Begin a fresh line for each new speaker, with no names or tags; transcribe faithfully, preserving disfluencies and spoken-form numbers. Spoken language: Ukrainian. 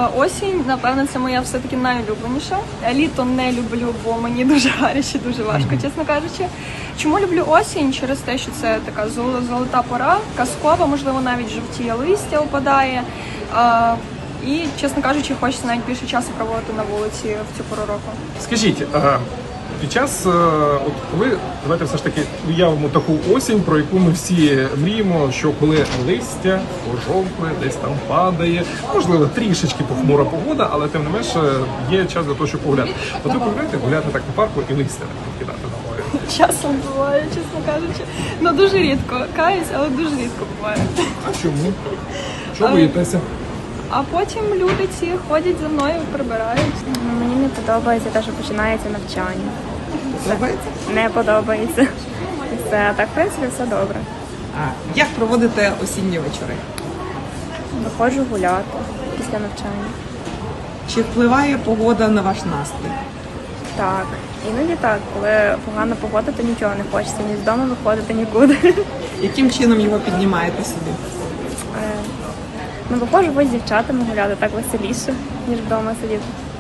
Осінь, напевно, це моя все-таки найулюбленіша. Літо не люблю, бо мені дуже гаряче, дуже важко, чесно кажучи. Чому люблю осінь? Через те, що це така золота пора, казкова, можливо, навіть жовтіє листя опадає. І, чесно кажучи, хочеться навіть більше часу проводити на вулиці в цю пору року.
Скажіть, під час, от коли, давайте все ж таки уявимо таку осінь, про яку ми всі мріємо, що коли листя пожовкле, десь там падає, можливо, трішечки похмура погода, але тим не менше є час для того, щоб погуляти. От ви полюбляєте гуляти так по парку і листя так кидати на морі?
Часом буває, чесно кажучи. Ну дуже рідко. Каюсь, але дуже рідко буває.
А чому? Чого боїтеся?
А потім люди ці ходять за мною, прибирають.
Мені не подобається те, що починається навчання.
Подобається?
Не подобається. І все. А так, в принципі, все добре.
А як проводите осінні вечори?
Виходжу гуляти після навчання.
Чи впливає погода на ваш настрій?
Так. Іноді так. Коли погана погода, то нічого не хочеться. Ні з дому виходити нікуди.
Яким чином його піднімаєте собі?
Е, Ну, виходжу ось з дівчатами гуляти, так веселіше, ніж вдома сидіти.